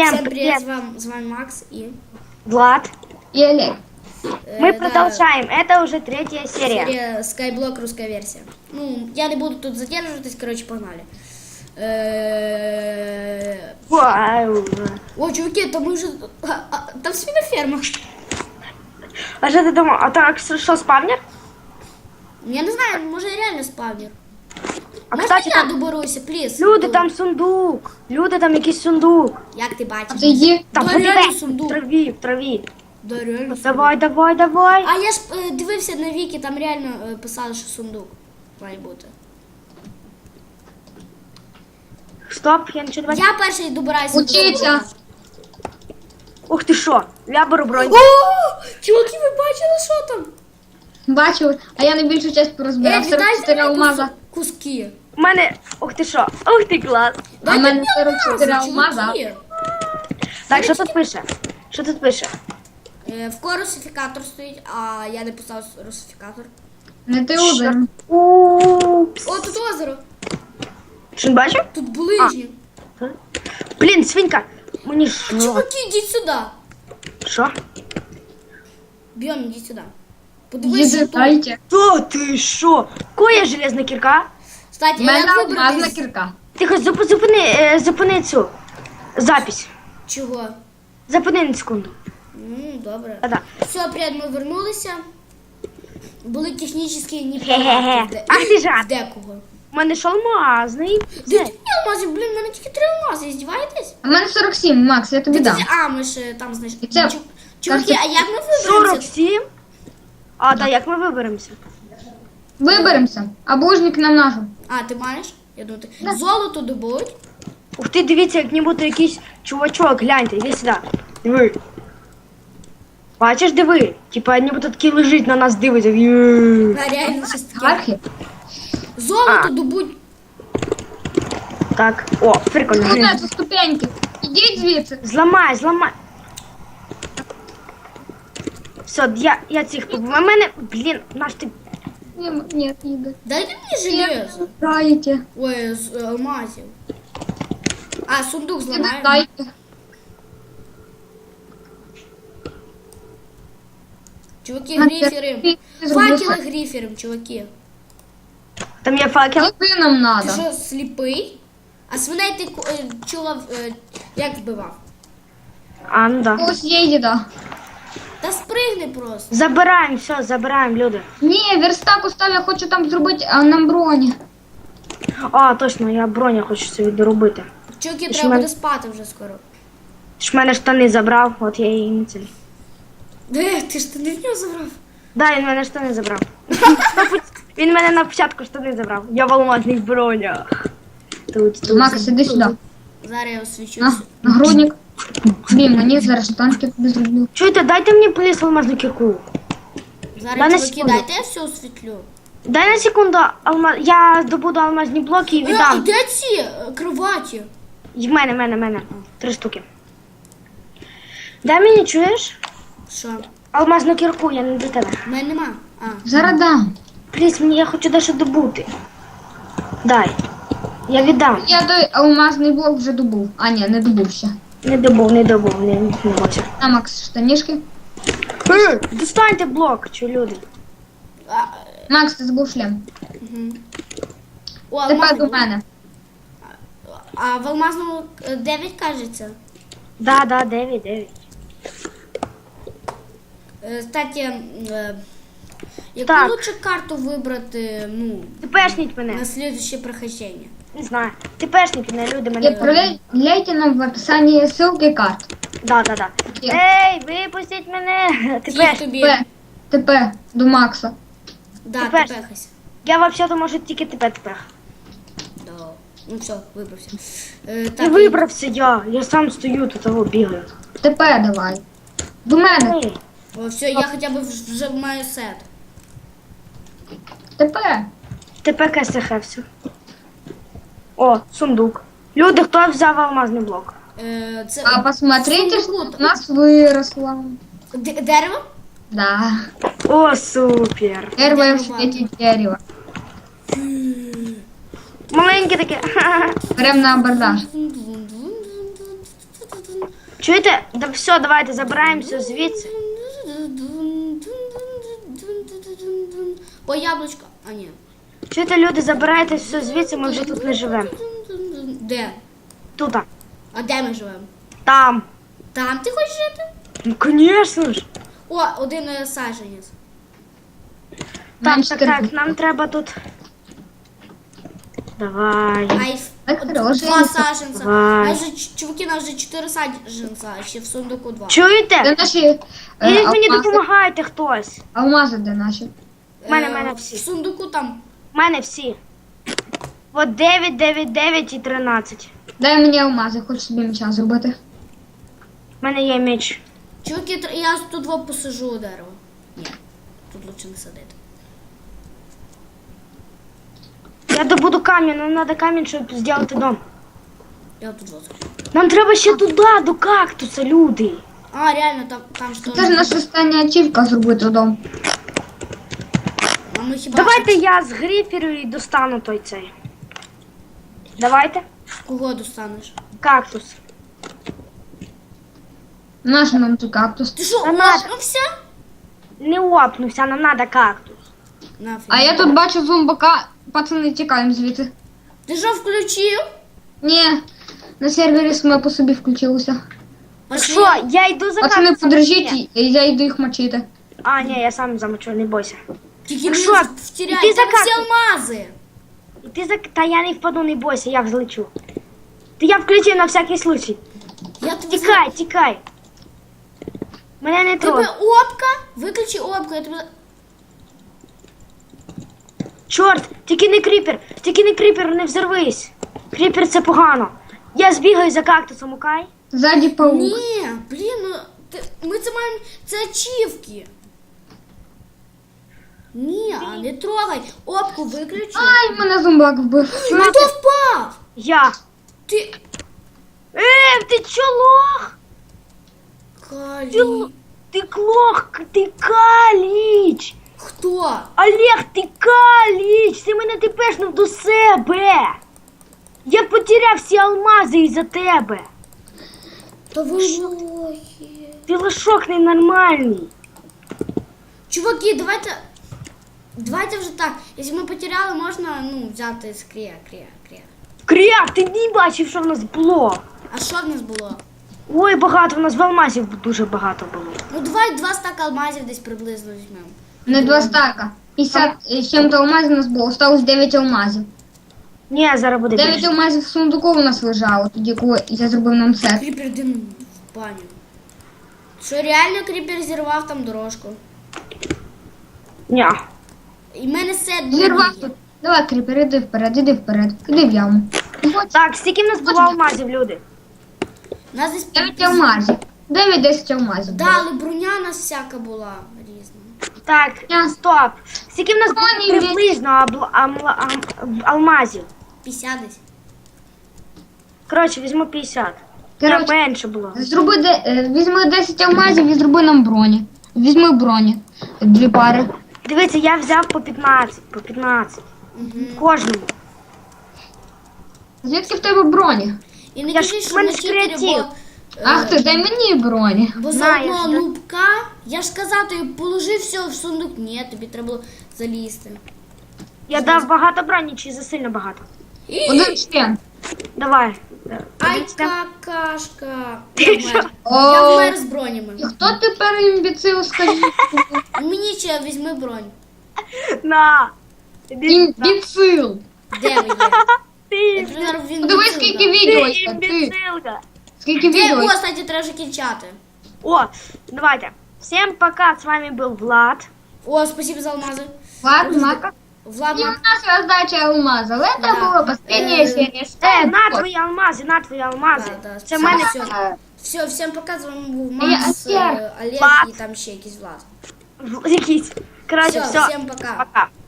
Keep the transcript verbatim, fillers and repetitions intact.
Всем Всем привет, привет. с вами, с вами Макс и... Влад. И Олег. э, Мы да, продолжаем. Это уже третья серия. серия Skyblock, русская версия. Ну, я не буду тут задерживаться, короче, погнали. Э, Вау. О, чуваки, там уже... а, а, Там свиноферма. А что ты думал? А так что, спавнер? Я не знаю, може реально спавнер. А Можна кстати, я там доберуся, пліз? люди, там сундук. Люди, там якийсь сундук. Як ти бачиш? Отойди. Там Да, подиви, реально в сундук. траві, в траві. Да, реально Давай, давай, давай. А я ж е, дивився на віки, там реально е, писали, що сундук має бути. Стоп, я нічого не бачу. Я перший добираюся Учиться. сундука. Ух ти що, я беру бронь. О, чуваки, ви бачили, що там? Бачив, а я найбільшу часть порозбирав. Е, сорок чотири мені алмаза. кус- куски. У мене, ух ти що, ух ти клас. А в мене сорок чотири алмази, алмаза. чуваки. Так, що тут пише? Що тут пише? Е, В кого русифікатор стоїть, а я не писав русифікатор. Не ти один. Упс. О, тут озеро. Що не бачив? Тут ближні. Блін, свинька. Мені що? Чуваки, йдіть сюди. Що? Бьон, йдіть сюди. Подивись, що тут. Дайте. Та ти що? Коя железна кірка? Кстати, У а мене як алмазна вибратись? кірка. Тихо, зуп- зупини, е, зупини цю запись. Чого? Зупини на секунду. Ну, добре. А, да. Все, привіт, ми вернулися. Були технічні Хе-хе-хе. неполадки. Ах ти жарт. Декого. У мене ж алмазний. Де ти алмазів? Блін, в мене тільки три алмази, здіваєтесь? А в мене сорок сім, Макс, я тобі Де дам. ти- А, ми ж е, там знайшли. І це- Чу- Чуваки, це- а як ми сорок виберемося? сім? А, так, як ми виберемося? Виберемося. А бужник нам нажив. А, ти маєш? Я думаю, ти... Золото добуть. Ух ти, дивіться, як нібито якийсь чувачок, гляньте, іди сюди. Диви. Бачиш, диви? Типа, нібито такий лежить на нас дивиться. Є. А, реально щось таке. Архів. Золото А. добуть. Так, о, прикольно. Тут на ці ступеньки. Ідіть звідси. Зламай, зламай. Все, я, я цих побив. У мене, блін, наш ти... Ні, ні, їде. Дайте мені железо. Дайте. Ой, з е, алмазів. А, сундук зламаємо. Дайте. Чуваки, На гриферим. ти- ти зроби Факели фак- гриферим, чуваки. Там є факел. Який нам Ти надо? що, сліпий? А свиней ти ку- е, чула, е, як вбивав? А, ну да. Ось є їда. Та спригни просто. Забираємо, все, забираємо, люди. Ні, верстак устав, я хочу там зробити а, нам броні. А, точно, я броню хочу собі доробити. Чуваки, Ти ж треба мен- буде спати вже скоро. Ти ж в мене штани забрав, от я її не ціль. Де, ти ж ти не в нього забрав? Да, він в мене штани забрав. На пот- Він мене на початку штани забрав. Я в алмазних бронях. Тут, тут. Макс, іди сюди. Зараз я освічусь. На, нагрудник. Блін, мені зараз танки тобі зроблю. Чуєте, дайте мені пліс алмазну кірку. Зараз, Дай на чуваки, секунду. дайте я все освітлю. Дай на секунду, алмаз... я добуду алмазні блоки і Е, а віддам. де ці е, кроваті? І в мене, в мене, в мене. Три штуки. Дай мені, чуєш? Що? Алмазну кірку, я не до тебе. У мене нема. А. Зараз дам. Пліс, мені я хочу дещо добути. Дай. Я віддам. Я той алмазний блок вже добув. А, ні, не добув ще. Не добув, не добув, не, не бачу. На, Макс, штанішки. Е, достаньте блок, що люди. А, Макс, ти забув шлем. угу. О, Тепер алмазний до блок. мене. А в алмазному е, дев'ять кажеться. Да, да, дев'ять, дев'ять. Е, Кстати, е, яку Так. лучше карту вибрати, ну, Ти пешніть мене. на слідуще прохождення? Не знаю. Ти пешніть мене, люди мене. Відправляйте нам в описанні ссылки карт. Да, да, да. Є. Ей, випустіть мене. Ти Ті пеш. тобі. Т П. Т П. До Макса. Да, ти Тепер. пехайся. Я взагалі можу тільки тебе тепер. Да. Ну все, вибрався. Е, Не так, вибрався я. Я сам стою, тут того бігаю. Т П давай. До мене. Ей, О, все, я хоча б вж- вже маю сет. Т П. тепер КСХ все. О, сундук. Люди, хто взяв алмазний блок? Е, це А посмотрите, сундук. что у нас выросло. Д- дерево? Да. О, супер. Первое в Дерево. свете дерево. Маленьке таке. Прям на абордаж. Чуєте? Да все, давайте забираємося звідси. О, яблучко. А, ні. Чуєте, люди, забирайте все звідси, ми вже тут не живемо. Де? Тут. А де ми живемо? Там. Там ти хочеш жити? Ну, звісно ж. О, один е, саджанець. Так, Менше так, так, кирпичів. нам треба тут. Давай. Ай, Так, от хороший два ліс. саджанця. Давай. Майже, ч- чуваки, нас вже чотири саджанця, а ще в сундуку два. Чуєте? Де наші е, Ідіть мені алмази? допомагайте хтось. Алмази де наші? В мене, Е, в мене В всі. сундуку там. У мене всі. От дев'ять, дев'ять, дев'ять і тринадцять. Дай мені алмази, хочу собі меча зробити. У мене є меч. Чуваки, тр- я тут два посажу у дерево. Ні, тут лучше не садити. Я добуду камінь, нам треба камінь, щоб зробити дом. Я тут вот. Нам треба ще туди, до кактуса, люди. А, реально, там, там що. Це ж наша остання ачівка зробити дом. А ми хіба Давайте що- я з гриферу і достану той цей. Давайте. Кого достанеш? Кактус. Наш нам тут кактус. Ти що, Та надо. опнувся? Не опнувся, нам треба кактус. Нафіг. А я тут бачу зомбака. Пацани, тікаємо звідти. Ти що включив? Ні, на сервері саме по собі включилося. Пошли. Що, я йду за Пацани, кактусом? подержіть, Ні. і я йду їх мочити. А, ні, я сам замочу, не бойся. Тільки Ну не що, втіряй, іди за там всі кактус. алмази. І ти за... Та я не впаду, не бойся, я взлечу. Ти я включив на всякий случай. Я тобі Тікай, тікай. Мене не Тебе трогай. опка? Виключи опку, я тебе... Чорт, тільки не кріпер, тільки не кріпер, не взорвись. Кріпер це погано. Я збігаю за кактусом, окей? Ззаді паук. Ні, блін, ну... Ти... Ми це маємо... Це ачівки. Ні, а не трогай. Опку виключи. Ай, мене зомбак вбив. Ну хто впав? Я. Ти... Е, ти чо лох? Ти, Калі. л- ти клох, ти каліч. Хто? Олег, ти каліч, ти мене тепешнув до себе. Я потеряв всі алмази із-за тебе. Та ви лохи. Ти лошок ненормальний. Чуваки, давайте... Давайте вже так. Якщо ми потеряли, можна, ну, взяти з крія, крія, крія. Кряк, ти не бачив, що в нас було. А що в нас було? Ой, багато, в нас в алмазів дуже багато було. Ну, давай два стака алмазів десь приблизно візьмемо. Не два стака. п'ятдесят з чим-то алмазів у нас було. Осталось дев'ять алмазів. Ні, зараз буде дев'ять більше. алмазів в сундуку у нас лежало, тоді коли я зробив нам сет. Кріпер йди в баню. Що реально кріпер зірвав там дорожку? Ні. І в мене сет Зірвав є. тут. Давай, кріпер, іди вперед, іди вперед. Іди в яму. От, Так, скільки в нас було алмазів, люди? У нас десь... дев'ять алмазів. дев'ять-десять алмазів. Да, було. але броня у нас всяка була різна. Так, Я- стоп. Скільки в нас було Ой, ні. приблизно абл- амла- ам- алмазів? п'ятдесят десь. Коротше, візьму п'ятдесят. Ні, Коротше, менше було. Зроби де, е, візьми десять алмазів і зроби нам броні. Візьми броні. Дві пари. Дивіться, я взяв по п'ятнадцять, по п'ятнадцять. Угу. Кожному. Звідки в тебе броні? І не Я ж- кажи, що в мене на ж читері, креатив. бо... е, Ах ти, дай мені броні. Бо за Знаєш, одного да? нубка, я ж казав, тобі положи все в сундук. Ні, тобі треба було залізти. Я дав багато броні, чи засильно багато? Один член. Давай. Ай, Дивіться. какашка. Ти Я що? вмер. Я О, вмер з бронями. і хто тепер імбіцил, скажіть? Мені ще візьми бронь. На. Іди сюди. Імбіцил. Де ви є? Ти Я імбіцил. вже зараз він Подивись, відсюди. скільки відео Ти є. Ти. імбіцилка. Скільки Де? відео О, є. кстати, треба вже кінчати. О, давайте. Всем пока, с вами был Влад. О, спасибо за алмази. Ладно, Мака. Влад, И у Мак. нас раздача алмаза. Это Да. была последняя Э, серия. Е, Ставь на лайк. твої алмази, на твої алмази. Да, да, Це в все. мене Все. Все, всім пока, з вами був Я Макс, Астер. е, Олег Влад. і там ще якийсь Влад. якісь. Коротше, Все, все. всім пока. Пока.